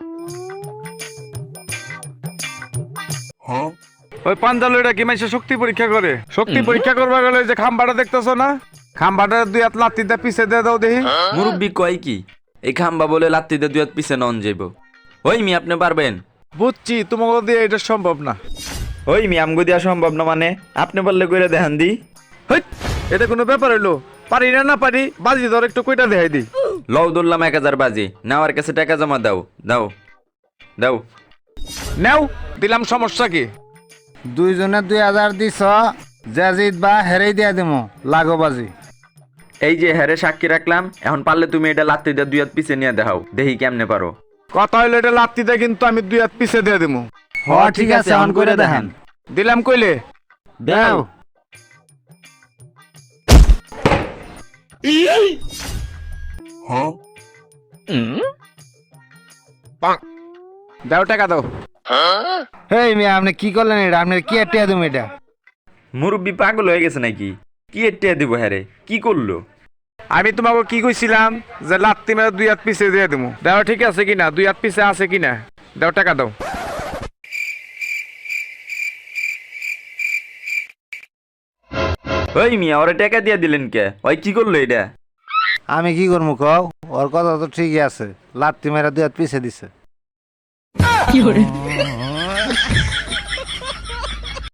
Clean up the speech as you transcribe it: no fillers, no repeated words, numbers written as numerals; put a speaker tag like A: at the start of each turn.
A: ওই পাঞ্জালটা কি মাইসে শক্তি পরীক্ষা করে? শক্তি পরীক্ষা করবা গেলে যে খাম্বাটা দেখতেছো না, খাম্বাটা দুই হাত লাত্তিতে পিছে দিয়ে দাও দেখি।
B: মুরব্বি কয় কি এই খাম্বা বলে লাত্তিতে দুই হাত পিছে নন যাইব? ওই মি আপনি পারবেন?
A: বুঝছি, তোমাকে দিয়ে এটা সম্ভব না।
B: ওই মি আমগো দিয়া সম্ভব না মানে? আপনি বললে কইরা দেখান দি।
A: হেৎ, এটা কোনো ব্যাপার হইলো? পারি না না পারি, বাজি ধর একটু কইটা দেখাই দি।
B: লও ধরলাম 1000 বাজি, নেওয়ার কাছে টাকা জমা দাও। দাও দাও।
A: নেও দিলাম, সমস্যা কি?
C: দুইজনে 2000 দিছ, যা জিতবা হেরেই দিয়া দিমু লাগো বাজি।
B: এই যে হ্যারে সাক্ষী রাখলাম, এখন পারলে তুমি এটা লাত্তি দিয়ে দুই হাত পিছে নিয়ে দেখাও, দেখি কেমনে পারো।
A: কথা হইলো এটা লাত্তিতে কিন্তু আমি দুই হাত পিছে দিয়ে দিমু।
C: হ ঠিক আছে, অন করে দেখেন।
A: দিলাম কইলে
C: দাও।
A: দাও, টাকা দাও।
C: হেই মিয়া, আপনি কি করলেন? এটা আপনার কি টিয়া দিমু এটা?
B: মুরব্বি পাগল হয়ে গেছে নাকি? কি এটে দিব হ্যারে? কি করলো?
A: আমি তোমাকে কি কইছিলাম যে লাত্তি মেরে দুই হাত পিছে দিয়ে দিমু। দাও ঠিক আছে কিনা, দুই হাত পিছে আছে কিনা, দাও টাকা দাও।
B: ওই মিয়া ওরে টাকা দিয়ে দিলেন কে? ওই কি করলো এটা?
C: আমি কি করবো কও? ওর কথা তো ঠিকই আছে, লাত্তি মেরা 2 হাত পিছে দিছে।